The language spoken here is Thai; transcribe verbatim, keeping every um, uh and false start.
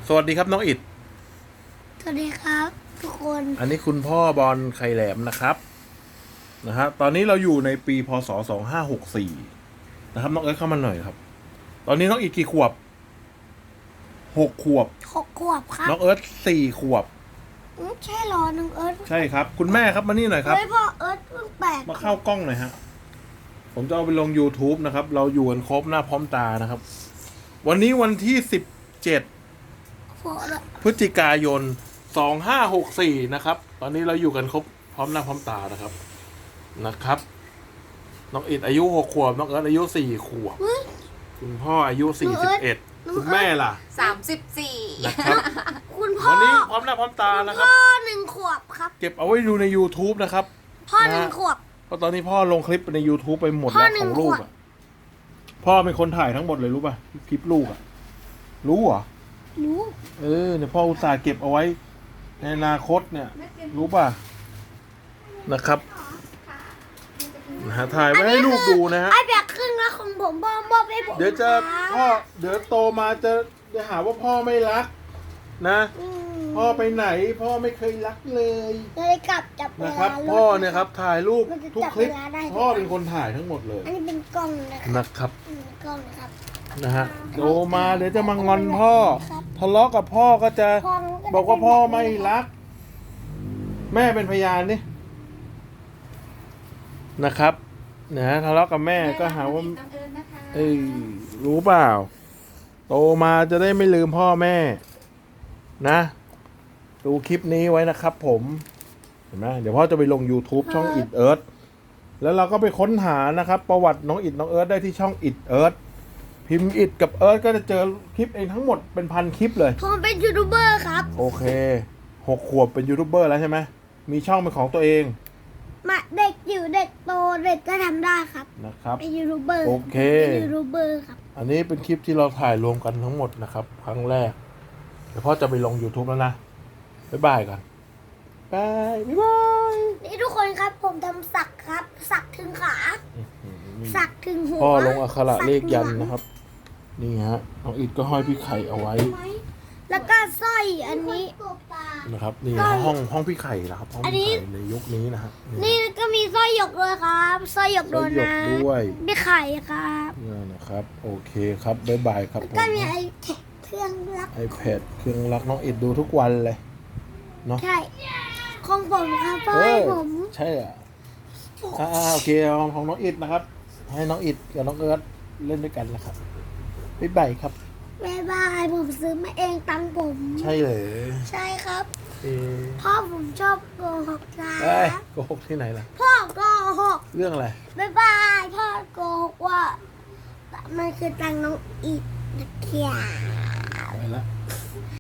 สวัสดีครับน้องอิดสวัสดีครับทุกคนอันนี้คุณพ่อบอลไข่แหลมนะครับนะฮะตอนนี้เราอยู่ในปีพศสองห้าหกสี่นะครับน้องเอิร์ธเข้ามาหน่อยครับตอนนี้น้องอิดกี่ขวบหกขวบหกขวบครับน้องเอิร์ธสี่ขวบอืมใช่หรอน้องเอิร์ธใช่ครับคุณแม่ครับมานี่หน่อยครับเฮ้ยพ่อเอิร์ธเพิ่งแปลกมาเข้ากล้องหน่อยฮะผมจะเอาไปลง YouTube นะครับเราอยู่กันครบหน้าพร้อมตานะครับวันนี้วันที่สิบเจ็ดพฤศจิกายนสองห้าหกสี่นะครับตอนนี้เราอยู่กันครบพร้อมหน้าพร้อมตานะครับนะครับน้องอิดอายุหกขวบน้องเอิร์ธอายุสี่ขวบคุณพ่ออายุสี่สิบเอ็ดคุณแม่ล่ะสามสิบสี่นะครับคุณพ่อวันนี้พร้อมหน้าพร้อมตานะครับพ่อหนึ่งขวบครับเก็บเอาไว้ดูใน YouTube นะครับพ่อหนึ่งขวบเพราะตอนนี้พ่อลงคลิปใน YouTube ไปหมดแล้วของลูกอ่ะพ่อเป็นคนถ่ายทั้งหมดเลยรู้ป่ะคลิปลูกอ่ะรู้เหรอรู้เออเนี่ยพ่ออุตส่าห์เก็บเอาไว้ในอนาคตเนี่ยรู้ป่ะนะครับนะฮะถ่ายไว้ให้ลูกดูนะฮะไอแบกครึ่งละของผมพ่อมอบให้ผมเดี๋ยวจะพ่อเดี๋ยวโตมาจะจะหาว่าพ่อไม่รักนะพ่อไปไหนพ่อไม่เคยรักเลยเลยกลับจับนะครับพ่อเนี่ยครับถ่ายรูปทุกคลิปพ่อเป็นคนถ่ายทั้งหมดเลยอันนี้เป็นกล้องนะครับกล้องนะครับนะฮะโตมาเดี๋ยวจะมางอนพ่อทะเลาะกับพ่อก็จะบอกว่าพ่อไม่รักแม่เป็นพยานนี่นะครับนะทะเลาะกับแม่ก็หาว่าเอ้ยรู้เปล่าโตมาจะได้ไม่ลืมพ่อแม่นะดูคลิปนี้ไว้นะครับผมเห็นไหมเดี๋ยวพ่อจะไปลง YouTube ช่องอิดเอิร์ธแล้วเราก็ไปค้นหานะครับประวัติน้องอิดน้องเอิร์ธได้ที่ช่องอิดเอิร์ธพิมพ์อิดกับเอิร์ธก็จะเจอคลิปเองทั้งหมดเป็นพันคลิปเลยผมเป็นยูทูบเบอร์ครับโอเคหกขวบเป็นยูทูบเบอร์แล้วใช่ไหมมีช่องเป็นของตัวเองมาเด็กอยู่เด็กโตเด็กก็ทำได้ครับนะครับเป็นยูทูบเบอร์โอเคเป็นยูทูบเบอร์ครับอันนี้เป็นคลิปที่เราถ่ายรวมกันทั้งหมดนะครับครั้งแรกเดี๋ยวพ่อจะไปลง YouTube แล้วนะบ๊ายบายกันบายบ๊ายบายนี่ทุกคนครับผมทำสักครับสักถึงขาสักถึงหัวพ่อลงอักขระเลขยันนะครับนี่ฮะน้องอิดก็ห้อยพี่ไข่เอาไว้แล้วก็สร้อยอันนี้นะครับนี่ห้องห้องพี่ไข่นะครับห้องพี่ไข่ในยุคนี้นะฮะนี่ก็มีสร้อยหยกด้วยครับสร้อยหยกโดนนะด้วยพี่ไข่ครับนี่นะครับโอเคครับบ๊ายบายครับก็มีไอแพดเครื่องรัก iPad เครื่องรักน้องอิดดูทุกวันเลยเนาะใช่ของผมครับพ่อให้ผมใช่อ่ะอ่าโอเคของของน้องอิดนะครับให้น้องอิดกับน้องเอิร์ธเล่นด้วยกันนะครับบ๊ายบายครับบ๊ายบายผมซื้อมาเองตังผมใช่เลยใช่ครับพ่อผมชอบโกหกนะโกหกที่ไหนล่ะพ่อโกหกเรื่องอะไรบ๊ายบายพ่อโกหกว่ามันคือตังน้องอิดนะเคียไปละ